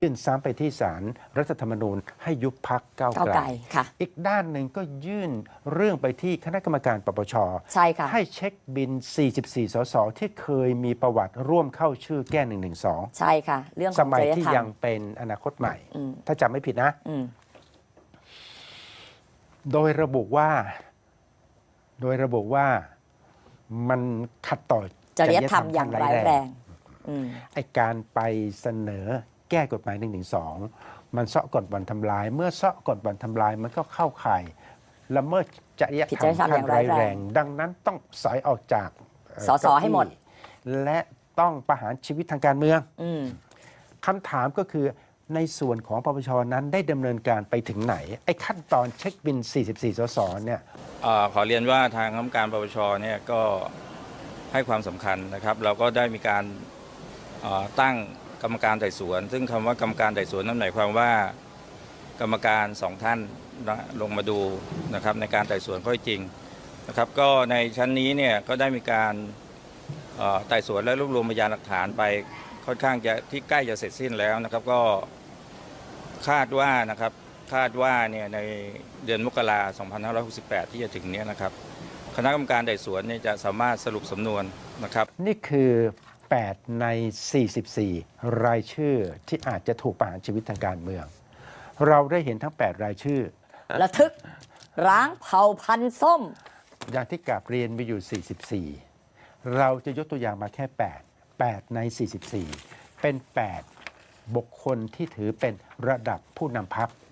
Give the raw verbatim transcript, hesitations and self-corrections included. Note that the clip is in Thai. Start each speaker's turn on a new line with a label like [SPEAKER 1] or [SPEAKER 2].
[SPEAKER 1] ยื่นซ้ำไปที่ศาลรัฐธรรมนูญให้ยุบพรรคก้าว
[SPEAKER 2] ก้าว
[SPEAKER 1] ไกล
[SPEAKER 2] ไกลค่ะ
[SPEAKER 1] อีกด้านหนึ่งก็ยื่นเรื่องไปที่คณะกรรมการปปช
[SPEAKER 2] ใช่ค่ะ
[SPEAKER 1] ให้เช็คบิน สี่สิบสี่ สสที่เคยมีประวัติร่วมเข้าชื่อแก้ หนึ่งหนึ่งสอง
[SPEAKER 2] ใช่ค่ะ เรื่องข
[SPEAKER 1] ส
[SPEAKER 2] อง
[SPEAKER 1] มั
[SPEAKER 2] จ
[SPEAKER 1] ย
[SPEAKER 2] ริย
[SPEAKER 1] ที่
[SPEAKER 2] ธรร
[SPEAKER 1] ยัง
[SPEAKER 2] ม
[SPEAKER 1] เป็นอนาคตใหม่
[SPEAKER 2] อืม
[SPEAKER 1] ถ้าจำไม่ผิดนะ
[SPEAKER 2] อืม
[SPEAKER 1] โดยระบุว่า โดยระบุว่ามันขัดต่อ
[SPEAKER 2] จริยธรรมอย่างร้ายแรงอืม
[SPEAKER 1] ไอการไปเสนอแก้กฎหมาย หนึ่งหนึ่งสอง มันเซาะก่อนวันทำลาย เมื่อเซาะก่อนวันทำลายมันก็เข้าข่ายละเมิดจริย
[SPEAKER 2] ผิด
[SPEAKER 1] ธร
[SPEAKER 2] จ
[SPEAKER 1] ร
[SPEAKER 2] ริ
[SPEAKER 1] ม
[SPEAKER 2] ยธรรม
[SPEAKER 1] ขั้
[SPEAKER 2] อน ย่าง
[SPEAKER 1] ร้า
[SPEAKER 2] ร้าย ย
[SPEAKER 1] แร
[SPEAKER 2] แรง ง
[SPEAKER 1] ดังนั้นต้องสอยออกจากเอ่อ
[SPEAKER 2] สสให้หมด
[SPEAKER 1] เก้าอี้และต้องประหารชีวิตทางการเมือง
[SPEAKER 2] อืม
[SPEAKER 1] คำถามก็คือในส่วนของปปชนั้นได้ดำเนินการไปถึงไหน ไอ้ขั้นตอนเช็คบิน สี่สิบสี่ สสเนี่ย
[SPEAKER 3] เอ่อขอเรียนว่าทางคณะกรรมการปปชเนี่ยก็ให้ความสำคัญนะครับ เราก็ได้มีการเอ่อตั้งกรรมการไต่สวน ซึ่งคำว่ากรรมการไต่สวนนั่นหมายความว่ากรรมการสองท่านนะลงมาดูนะครับในการไต่สวนข้อเท็จจริงนะครับ ก็ในชั้นนี้เนี่ยก็ได้มีการเอ่อไต่สวนและรวบรวมพยานหลักฐานไปค่อนข้างจะที่ใกล้จะเสร็จสิ้นแล้วนะครับ ก็คาดว่านะครับคาดว่าเนี่ยในเดือนมกราคม สองพันห้าร้อยหกสิบแปด ที่จะถึงเนี้นะครับ คณะกรรมการไต่สวนเนี่ยจะสามารถสรุปสำนวนนะครับ
[SPEAKER 1] นี่คือ แปด ใน สี่สิบสี่ รายชื่อที่อาจจะถูกประหารชีวิตทางการเมือง เราได้เห็นทั้ง แปด รายชื่อ
[SPEAKER 2] ระทึก ร้างเผ่าพันธุ์ส้ม
[SPEAKER 1] อย่างที่กราบเรียนมีอยู่ สี่สิบสี่ เราจะยกตัวอย่างมาแค่ แปด แปด ใน สี่สิบสี่ เป็น แปด บุคคลที่ถือเป็นระดับผู้นำพรรค